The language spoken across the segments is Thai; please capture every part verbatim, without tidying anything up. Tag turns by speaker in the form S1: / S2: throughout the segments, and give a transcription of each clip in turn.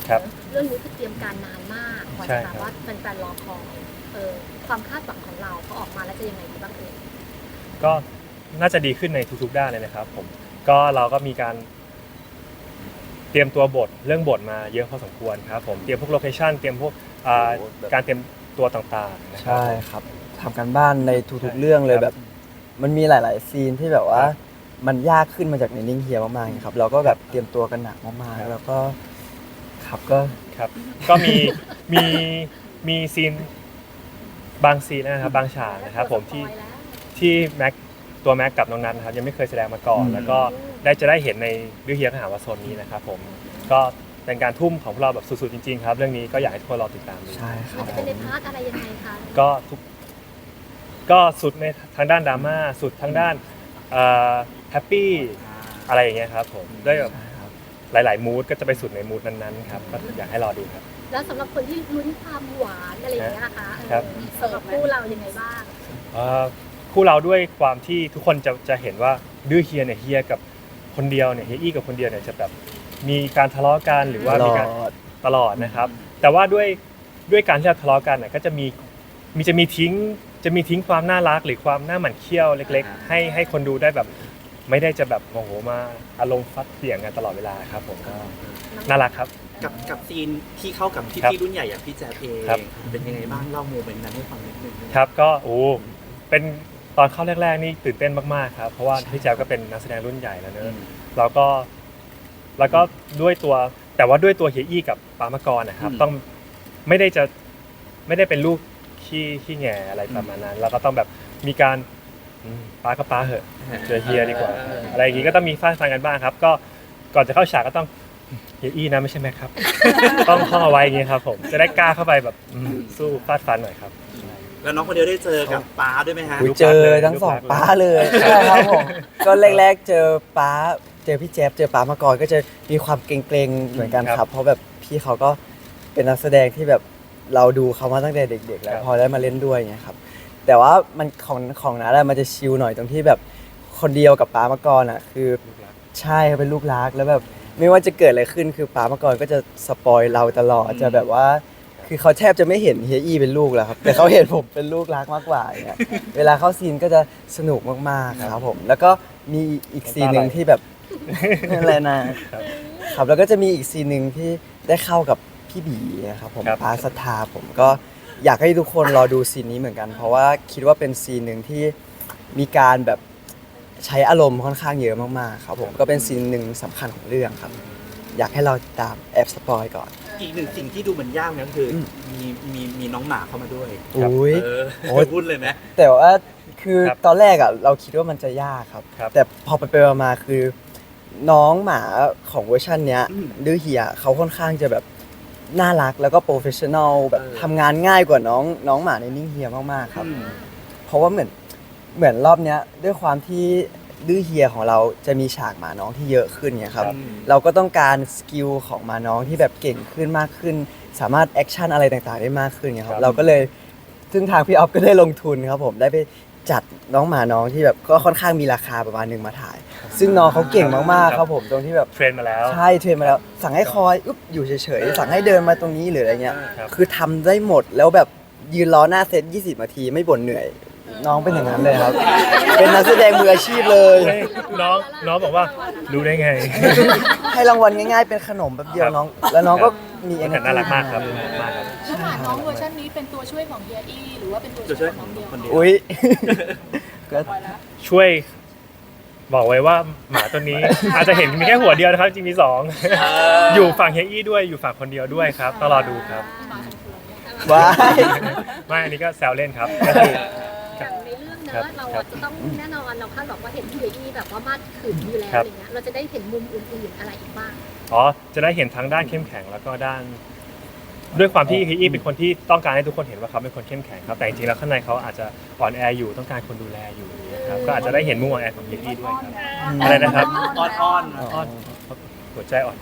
S1: เรื่องนี้คือเตรียมการนานมากกว่าจะแบบว่าแฟนๆรอคอยเออความคาดหวังของเราพอออกมาแล้วจะยังไงบ้างเอ่ย
S2: ก็น่าจะดีขึ้นในทุกๆด้านเลยนะครับผมก็เราก็มีการเตรียมตัวบทเรื่องบทมาเยอะพอสมควรครับผมเตรียมพวกโลเคชั่นเตรียมพวกการเตรียมตัวต่างๆนะครับ
S3: ใช่ครับทำกันบ้านในทุกๆเรื่องเลยแบบมันมีหลายๆซีนที่แบบว่ามันยากขึ้นมาจากในนิ่งเฮียมากๆครับเราก็แบบเตรียมตัวกันหนักมากๆแล้วก็ครับก็
S2: ครับก็มีมีมีซีนบางซีนนะครับบางฉากนะครับผมที่ที่แม็กตัวแม็กกับน้องนัทนะครับยังไม่เคยแสดงมาก่อนแล้วก็ได้จะได้เห็นในดื้อเฮียขหาวาโซนนี้นะครับผมก็เป็นการทุ่มของพวกเราแบบสุดๆจริงๆครับเรื่องนี้ก็อยากให้ทุกคนรอติดตามดู
S3: ใช่ครับ
S1: จะเป็นในพาร์ทอะไรยังไงคะ
S2: ก็ทุกก็สุดในทางด้านดราม่าสุดทางด้านแฮปปี้อะไรอย่างเงี้ยครับผมด้วยแบบหลายๆมูดก็จะไปสุดในมูดนั้นๆครับก็อยากให้รอดูครับ
S1: แล้วสำหรับคนที่ลุ้นความหวานอะไรอย่างเงี้ยนะคะสำหรับคู่เรายังไงบ้าง
S2: คู่เราด้วยความที่ทุกคนจะจะเห็นว่าดื้อเฮียเนี่ยเฮียกับคนเดียวเนี่ยเฮียอี้กับคนเดียวเนี่ยจะแบบมีการทะเลาะกันหรือว่ามีการตลอดนะครับแต่ว่าด้วยด้วยการที่เราทะเลาะกันเนี่ยก็จะมีมีจะมีทิ้งจะมีทิ้งความน่ารักหรือความหน้าหมั่นเคี้ยวเล็กๆให้ให้คนดูได้แบบไม่ได้จะแบบโมโหมาอารมณ์ฟัดเสียงกันตลอดเวลาครับผมก็น่ารักครับ
S4: กับกับซีนที่เข้ากับพี่พี่รุ่นใหญ่อย่างพี่แจ๊บเองเป็นยังไงบ้างเล่าโมเมนต์นั้นให้ฟังนิดนึง
S2: ครับก็โอ้เป็นตอนเข้าแรกๆนี่ตื่นเต้นมากๆครับเพราะว่าพี่แจ๊บก็เป็นนักแสดงรุ่นใหญ่แล้วเนอะแล้วก็แล้วก็ด้วยตัวแต่ว่าด้วยตัวเฮียอี้กับปามกรนะครับต้องไม่ได้จะไม่ได้เป็นลูกขี้ขี้แง่อะไรประมาณนั้นแล้วก็ต้องแบบมีการป้าก็ป้าเหอะเจอเฮียดีกว่าอะไรอย่างงี้ก็ต้องมีฟาดฟันกันบ้างครับก็ก่อนจะเข้าฉากก็ต้องเฮียอี้นะไม่ใช่แม็กครับต้องท่องเอาไว้อย่างงี้ครับผมจะได้กล้าเข้าไปแบบสู้ฟาดฟันหน่อยครับ
S4: แล้วน้องคนเดียวได้เจอกับป้าด้วยไหมฮะ
S3: เจอทั้งสองป้าเลยใช่ครับผมก็แรกๆเจอป้าเจอพี่แจ๊บเจอป้ามาก่อนก็จะมีความเกรงๆเหมือนกันครับเพราะแบบพี่เขาก็เป็นนักแสดงที่แบบเราดูเขามาตั้งแต่เด็กๆแล้วพอได้มาเล่นด้วยเนี่ยครับแต่ว่ามันของของนัทมันจะชิลหน่อยตรงที่แบบคนเดียวกับป้ามาก่อนอ่ะคือใช่เขาเป็นลูกรักแล้วแบบไม่ว่าจะเกิดอะไรขึ้นคือป้ามาก่อนก็จะสปอยเราตลอดจะแบบว่าคือเขาแทบจะไม่เห็นเฮียอี้เป็นลูกแล้วครับแต่เขาเห็นผมเป็นลูกรักมากกว่าเนี่ยเวลาเข้าซีนก็จะสนุกมากๆครับผมแล้วก็มีอีกซีนนึงที่แบบอะไรนะครับแล้วก็จะมีอีกซีนนึงที่ได้เข้ากับพี่บีนะครับผมป้าศรัทธาผมก็อยากให้ทุกคนรอดูซีนนี้เหมือนกันเพราะว่าคิดว่าเป็นซีนนึงที่มีการแบบใช้อารมณ์ค่อนข้างเยอะมากๆครับผมก็เป็นซีนหนึ่งสำคัญของเรื่องครับอยากให้เราตามแอบสปอยก่อน
S4: อีกหนึ่งสิ่งที่ดูเหมือนยากนั่นคือมีมีมีน้องหมาเข้ามาด้วย
S3: อุ้ย
S4: โอ้ยพูดเลยไหม
S3: แต่ว่าคือตอนแรกอ่ะเราคิดว่ามันจะยากครับแต่พอไปไปมาคือน้องหมาของเวอร์ชันเนี้ยดื้อเฮียเขาค่อนข้างจะแบบน่ารักแล้วก็โปรเฟชชั่นอลแบบทำงานง่ายกว่าน้องน้องหมาในนิ่งเฮียมากๆครับเพราะว่าเหมือนเหมือนรอบเนี้ยด้วยความที่ดื้อเฮียของเราจะมีฉากหมาน้องที่เยอะขึ้นเนี่ยครับเราก็ต้องการสกิลของหมาน้องที่แบบเก่งขึ้นมากขึ้นสามารถแอคชั่นอะไรต่างๆได้มากขึ้นเนี่ยครับเราก็เลยซึ่งทางพี่ออฟก็ได้ลงทุนครับผมได้ไปจัดน้องหมาน้องที่แบบก็ค่อนข้างมีราคาประมาณนึงมาถ่ายซึ่งน้องเขาเก่งมากๆครับผมตรงที่แบบ
S2: เทรนมาแล้ว
S3: ใช่เทรนมาแล้วสั่งให้คอยอุ๊บอยู่เฉยๆสั่งให้เดินมาตรงนี้หรืออะไรเงี้ยคือทำได้หมดแล้วแบบยืนรอหน้าเซตยี่สิบนาทีไม่บ่นเหนื่อยน้องเป็นอย่างนั้นเลยครับเป็นนักแสดงมืออาชีพเลย
S2: น้องน้องบอกว่ารู้ได้ไง
S3: ให้รางวัลง่ายๆเป็นขนมแบบเดียวน้องแล้วน้องก็มีเอเนอร์
S2: จี้น่ารักมากครับมากครับ
S5: แล้วหมาน้องเวอร์ชันนี้เป็นตัวช่วยของเฮียอี้หรือว่าเป็นตัวช่วยของน้องเดียว
S3: อุ้ยก็
S2: ช่วยบอกไว้ว่าหมาตัวนี้อาจจะเห็นมีแค่หัวเดียวนะครับจริงมีสองอยู่ฝั่งเฮียอี้ด้วยอยู่ฝั่งคนเดียวด้วยครับต้องรอดูครับ
S3: ว้า
S2: ไม่อันนี้ก็แซวเล่นครับ
S1: ก็คือในเรื่องเนอะเราจะต้องแน่นอนเราคาดหวังว่าเห็นพี่เฮียอี้แบบว่ามาดขืนอยู่แล้วอะไรเงี้ยเราจะได้เห็นมุมอื่นๆอะไรอีกบ้าง
S2: อ๋อจะได้เห็นทั้งด้านเข้มแข็งแล้วก็ด้านด้วยความที่เฮียอี้เป็นคนที่ต้องการให้ทุกคนเห็นว่าเขาเป็นคนเข้มแข็งครับแต่จริงๆแล้วข้างในเขาอาจจะอ่อนแออยู่ต้องการคนดูแลอยู่นะครับก็อาจจะได้เห็นมุมอ่อนแอของเฮียอี้ด้วยครับอะไรนะครับ
S4: อ้อนอ้อน
S2: อ้อนหัวใจอ่อนแอ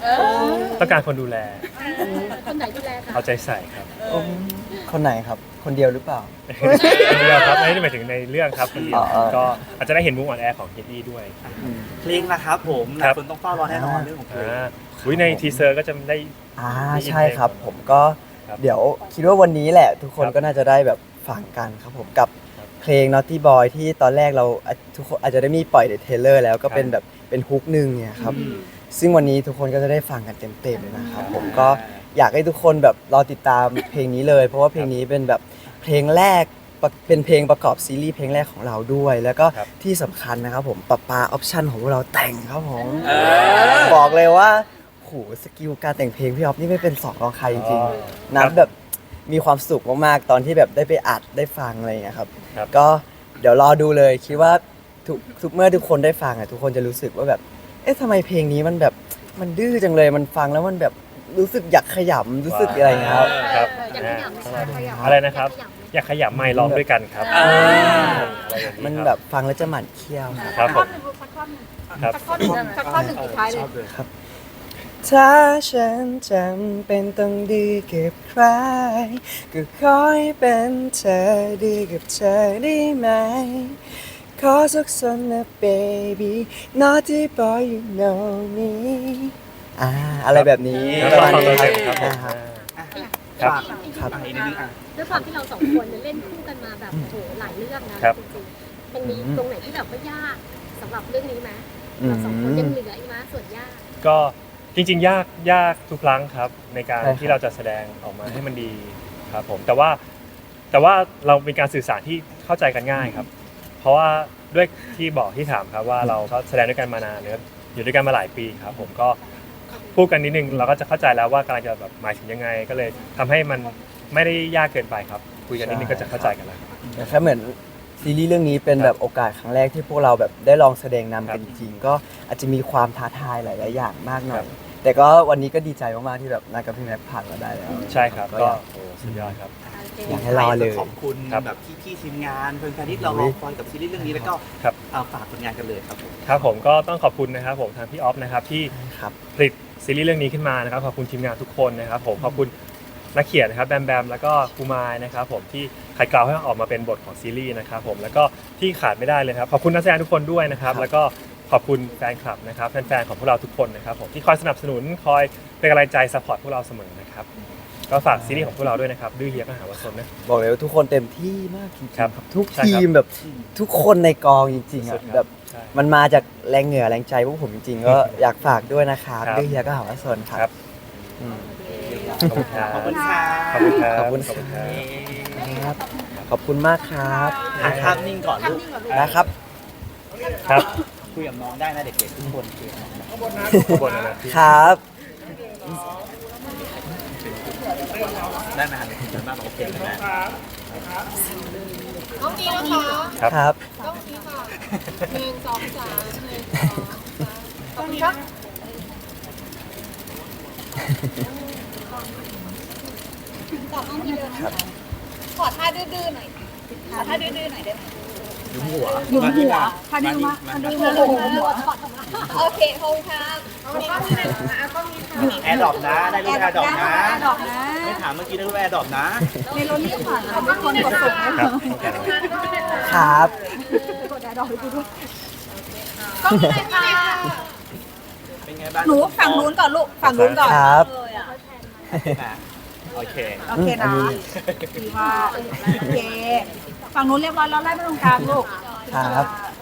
S5: เออ
S2: ต้องการคนดูแล
S1: คนไหนดูแลคะ
S2: เอาใจใส่ครับ
S3: คนไหนครับ คนเดียวหรือเปล่า
S2: คนเดียวครับไม่ได้หมายถึงในเรื่องครับคนเดียว
S3: อ๋อ
S2: ก็อาจจะได้เห็นมุมอ่อนแอของเฮดดี้ด้วย
S4: เพลงนะครับผมห
S2: ครั
S4: ลาย
S2: บ
S4: คนต้องเฝ้ารอแน่นอนเรื่องของเพลง
S2: อ่าอุ๊ยในทีเซอร์ก็จะได้
S3: อ่า
S2: มี
S3: ใช่ครับ
S2: เพลง
S3: ผมก็
S2: ครับ
S3: เดี๋ยวคิดว่าวันนี้แหละ ทุกคน
S2: ครับ
S3: ก็น่าจะได้แบบฟังกันครับผมกับ
S2: ครับ
S3: เพลง Naughty Boy ที่ตอนแรกเราอ่ะทุกคนอาจจะได้มีปล่อยในเทรลเลอร์แล้วก็เป็นแบบเป็นฮุกหนึ่งเนี่ยครับ
S4: อืม
S3: ซึ่งวันนี้ทุกคนก็จะได้ฟังกันเต็มๆเลยนะครับผมก็อยากให้ทุกคนแบบรอติดตามเพลงนี้เลย เพราะว่าเพลงนี้เป็นแบบเพลงแรกประเป็นเพลงประกอบซีรีส์เพลงแรกของเราด้วย แล้วก็
S2: ครับ
S3: ที่สำคัญนะครับผมปะปาออปชั่นของพวกเราแต่งครับผม
S4: เออ
S3: บอกเลยว่าโหสกิลการแต่งเพลงพี่ออฟนี่ไม่เป็นสองรองใครจริง
S2: อ๋อ
S3: ๆนับแบบมีความสุขมากๆตอนที่แบบได้ไปอัดได้ฟังอะไรอย่างเงี้ยครับ
S2: ครับ
S3: ก็เดี๋ยวรอดูเลยคิดว่าทุกทุกเมื่อทุกคนได้ฟังอ่ะทุกคนจะรู้สึกว่าแบบเอ๊ะทำไมเพลงนี้มันแบบมันดื้อจังเลยมันฟังแล้วมันแบบรู้สึกอยากขยำรู้สึกอะไรอย่างเงี้ยครับ
S2: ครับ
S1: อยากขยับไหมคะ
S2: อะไรนะครับ
S1: อยากขยับไหม
S2: อยากขยับไมค์ร้องด้วยกันครับ
S4: อ่า
S2: อะไรอย่าง
S3: มัน
S2: ครับ
S3: แบบฟังแล้วจะหมั่นเคี้ยว
S2: ครับผม
S5: สักข้อหนึ่ง
S2: ครับ
S5: สักข้อหนึ่งสักข้อหนึ่งสุดท้ายเลย
S4: ชอบเลย
S3: ถ้าฉันจำเป็นต้องดีกับใครก็ขอให้เป็นเธอดีกับเธอได้ไหมขอสักสันนะ baby naughty boy you know me อ่าอะไรแบบนี้
S2: แล้ว
S3: ประ
S2: ก็
S3: มาณ
S2: ฟัง
S3: นี้
S2: ตัว
S3: ค
S2: เต็
S3: รับ
S2: มครับผม
S3: อ่าฮะ
S2: ครับ
S4: ฝาก
S3: ครับ
S4: อ่ะอีกนิดนึงอ่ะ
S1: ด้วยความที่เราสองคนเนี่ยเล่นคู่กันมาแบบโอ้โหหลายเรื่องนะครับ จริงๆมันมีตรงไหนที่แบบว่ายากสำหรับเรื่องนี้ไหมเราสองคนยังเหลืออีกไหมส่วนยาก
S2: ก็จริงๆ ยากยากทุกครั้งครับ ในการ
S3: ใช่ครับ
S2: ที่เราจะแสดงออกมาให้มันดีครับผมแต่ว่าแต่ว่าเรามีการสื่อสารที่เข้าใจกันง่ายครับ เพราะว่าด้วยที่บอกที่ถามครับว่าเราก็แสดงด้วยกันมานานเนอะอยู่ด้วยกันมาหลายปีครับ ผมก็พูดกันนิดนึงเราก็จะเข้าใจแล้วว่ากำลังจะแบบหมายถึงยังไง ก็เลยทำให้มันไม่ได้ยากเกินไปครับ คุยกันนิดนึงก็จะเข้าใจกันแล้ว
S3: แต่แค่เหมือนซีรีส์เรื่องนี้เป็นแบบโอกาสครั้งแรกที่พวกเราแบบได้ลองแสดงนำกันจริงๆก็อาจจะมีความท้าทายหลายๆอย่างมากหน่อย แต่ก็วันนี้ก็ดีใจมากๆที่แบบนายกับพี่แม็กผ่านมาได้แล้ว
S2: ใช่ครับ
S3: ก็
S2: ก็
S3: อยาก
S2: โอ้สุดยอดครับ
S3: อยากให้รอเลย
S4: ขอบคุณ
S2: ครับ
S4: แบบพี่ๆทีมงานแฟนๆที่เรารอคอยกับซีรีส์เรื่องนี้แล้วก็
S2: ครับ
S4: เอาฝากผลงานกันเลยครับผม
S2: ครับผมก็ต้องขอบคุณนะครับผมทางพี่ออฟนะครับที่
S3: ครับ
S2: ผลิตซีรีส์เรื่องนี้ขึ้นมานะครับขอบคุณทีมงานทุกคนนะครับผมขอบคุณนักเขียนนะครับแบมแบมแล้วก็ครูมายนะครับผมที่ขัดเกลาให้ออกมาเป็นบทของซีรีส์นะครับผมแล้วก็ที่ขาดไม่ได้เลยครับขอบคุณนักแสดงทุกคนด้วยนะครับ
S3: ครับ
S2: แล้วก็ขอบคุณแฟนคลับนะครับแฟนๆของพวกเราทุกคนนะครับผมที่คอยสนับสนุนคอยเป็นกำลังใจซัพพอร์ตพวกเราเสมอนะครับก็ฝากซีรีส์ของพวกเราด้วยนะครับดื้อเฮียก็หาว่าซนนะ
S3: บอกเลยว่าทุกคนเต็มที่มากจริงๆ
S2: ครับ
S3: ทุก
S2: ใช่
S3: ที
S2: ครับ
S3: มแบบทุกคนในกองจริงๆ
S2: สุ
S3: อ่ะ
S2: ดๆครับ
S3: แบบ
S2: ใช่
S3: มันมาจากแรงเหงื่อแรงใจพวกผมจริงๆ ก็อยากฝากด้วยนะครับ
S2: ครับ
S3: ด้วยเฮียก็หาว่าสนค
S2: ครั
S3: รับบ อืม
S2: ขอบคุณครับ
S4: ขอบคุณค่ะ
S2: ขอบคุณครับ
S3: ขอบคุณ
S2: ขอบคุณครับ
S3: ครับขอบคุณมากครับ
S4: อ่ะภาพนิ่งก่อนลูก
S3: นะครับ
S2: ครับ
S4: คุยกับน้องได้นะเด็กๆทุกคนคุยกับน้องได้
S2: ข้างบนนะครับ
S3: ครับ
S4: ได้ไหมครับคุยกันบ้างโอเคไหม
S5: ต้องนี้นะคะ
S2: ครับ
S3: ครับ
S5: ต้องนี้ค่ะหนึ่งสองสามหนึ่งสองสามต้องนี้ครับ
S6: ขอห้องที่เดินนะคะขอท่าดื้อๆหน่อย ขอท่าดื้อๆหน่อยได้ไหม
S4: ยุ้มหัว
S6: หยุมหัว
S4: พาดิ้งมา
S6: ท่าดื้อๆหยุมหัวโอเคขอบคุณครับ
S4: แอร์ดรอปนะ ได้รูปแอร์ดรอปนะ
S6: แอร์ดรอปนะ
S4: ไม่ถามเมื่อกี้ได้รูปแอร์ดรอปนะ
S6: ในรถนี่ผ่านแล้วทุกคนกดส่งให้
S2: ครับ
S3: ครับ
S6: กดแอร์ดรอปให้กูด้วย
S5: ต้องนี้เลยค่ะ
S4: เป็นไงบ้าง
S6: หนูฝั่งนู้นก่อนลูก ฝั่งนู้นก่อน
S3: ครับ
S4: อ่ะโอเค
S6: โอเคนะดีมากโอเค ฝั่งนู้นเรียบร้อยแล้วไล่มาตรงกลางลูก
S3: ครับ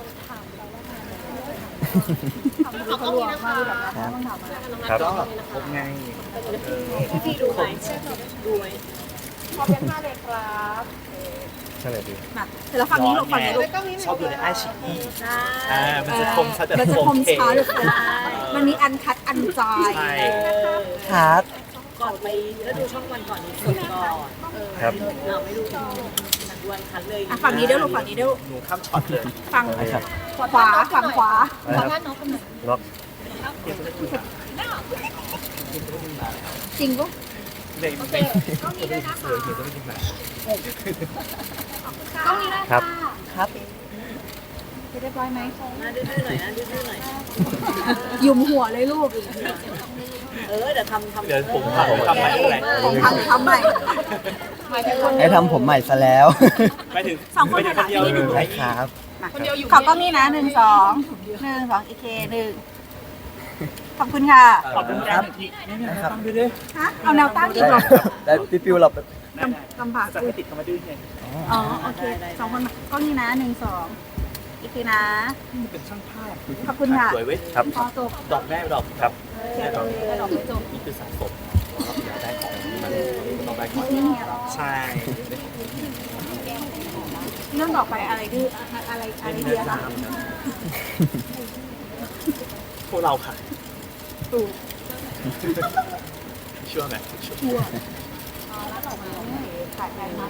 S5: ขอบคุณนะคะ
S2: ครับ
S4: ก็พบไง
S5: พี่ดูไหมดูไหมขอบคุณมากเลยครับ
S2: ใช่เลยดี
S6: มาเสร็จแล้วฝั่งนี้ลูกฝั่งนี้ลูก
S4: ชอบดูในไอชีอีอ่ามันจะคมชัดแบบ
S6: มันจะคม
S4: โอเค
S6: ช้าลูกมันมีอันคัดอันจาย
S4: ใช่
S3: ครับ
S7: ก่อนไปแล้วดูช่องวันก่อนนี้สดก่อนเออ
S2: ครับ
S7: เราไม่รู้นักวันคันเลย
S6: อ่ะฝั่งนี้เด้อลูกฝั่งนี้เด้อ
S4: หนูข้ามช็อตเลย
S6: ฝั่ง
S2: ครับ
S6: ขวาฝั่งขวา
S2: อะไรครับล็อก
S6: จริงปะ
S4: เลยไม่ต้องมีด้วยนะคะเลยเดี๋ยวต้องมีมา
S6: ต้องนี้นะครับ
S3: ครับ
S6: เรียบร้อยไหม
S7: หน้าดื้อๆหน่อยนะดื้อๆหน่อย
S6: หยุมหัวเลยลูก
S7: เออเดี๋ยวทำทำ
S4: เดี๋ยวผมทำทำใหม่เลย
S6: ผมทำทำใหม่หมายถึงคน
S3: ให้ทำผมใหม่ซะแล้ว
S4: ไปถึง
S6: สองคน
S4: ไปถึงคนเดียว
S6: ถ่ายหลัง
S3: ได้ครับ
S5: คนเดียวอยู่
S6: ขอกล้องนี่นะหนึ่งสองหนึ่งสองอีเคหนึ่งขอบคุณค่ะ
S4: ขอบคุณครับที่
S3: นะครับ
S4: ตั้งด้วยดิ
S6: ฮะเอาแนวตั้งอีก
S3: ได้
S6: เหรอ
S3: ได้พี่ปิวเรา
S6: กำกำบาก
S4: จะไม่ติดเข้ามาดื้อไง
S6: อ๋อโอเคสองคนกล้องนี่นะหนึ่งสองอีเคนะ
S4: เป็นช่างภาพ
S6: ขอบคุณค่ะ
S4: สวยเว้ย
S2: ครับ
S6: พอจบ
S4: ดอกแม่ดอกครับ
S6: เขียนเลยดอกไม่จบ
S4: นี่คือสะสมเราอยากได้ของมันต้องได้ของ
S6: นี่เนี่ยเหรอ
S4: ใช่
S6: เรื่องต่อไปอะไรดื้ออะไรอะไรเดียคะ
S4: พวกเราค่ะ
S6: ถูก
S4: ช่วยไหมช่วย
S6: ชัวร์อ๋อแล้วต่อมาถ่ายไปมา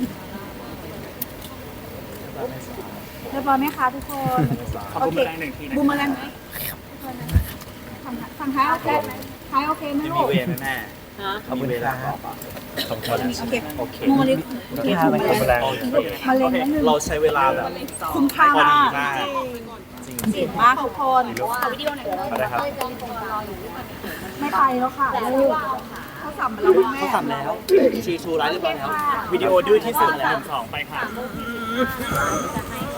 S6: เรียบร้อยไหมคะทุกคน
S4: ขอบคุณแรงหนึ่งทีนะ
S6: บูมแมลงฝั่งฝั่งท้ายโอเคไหมท้ายโอเคไหม
S4: จะ
S6: ลู
S4: มี
S6: ก
S4: เวรไหมแม่
S7: ฮะ
S3: ขอบคุณ
S4: มีเว
S3: ค
S4: ลา
S3: รับ
S4: ต่อปะ
S2: ขอบคุณ
S6: โอเค
S4: โอเค
S6: บูมแมลงโอเคบูมแมลง
S2: แรง
S4: โอเค
S6: มะเร็งนิดนึง
S4: เราใช้เวลาแบบ
S6: คุ้มค่า
S4: พอดี
S6: มาก
S4: มากจริง
S6: เก่งมากทุกคนขอวิดีโอหน่อย
S2: อะไรครับ
S6: ไม่ไปแล้วค่ะลูกเขาสั่งมาแล้วแม่
S4: เขาทำแล้วชีชูร้ายเรียบร้อยแล้ว วิดีโอดื้อที่สุดแล้วสองไปค่ะ
S1: จะให้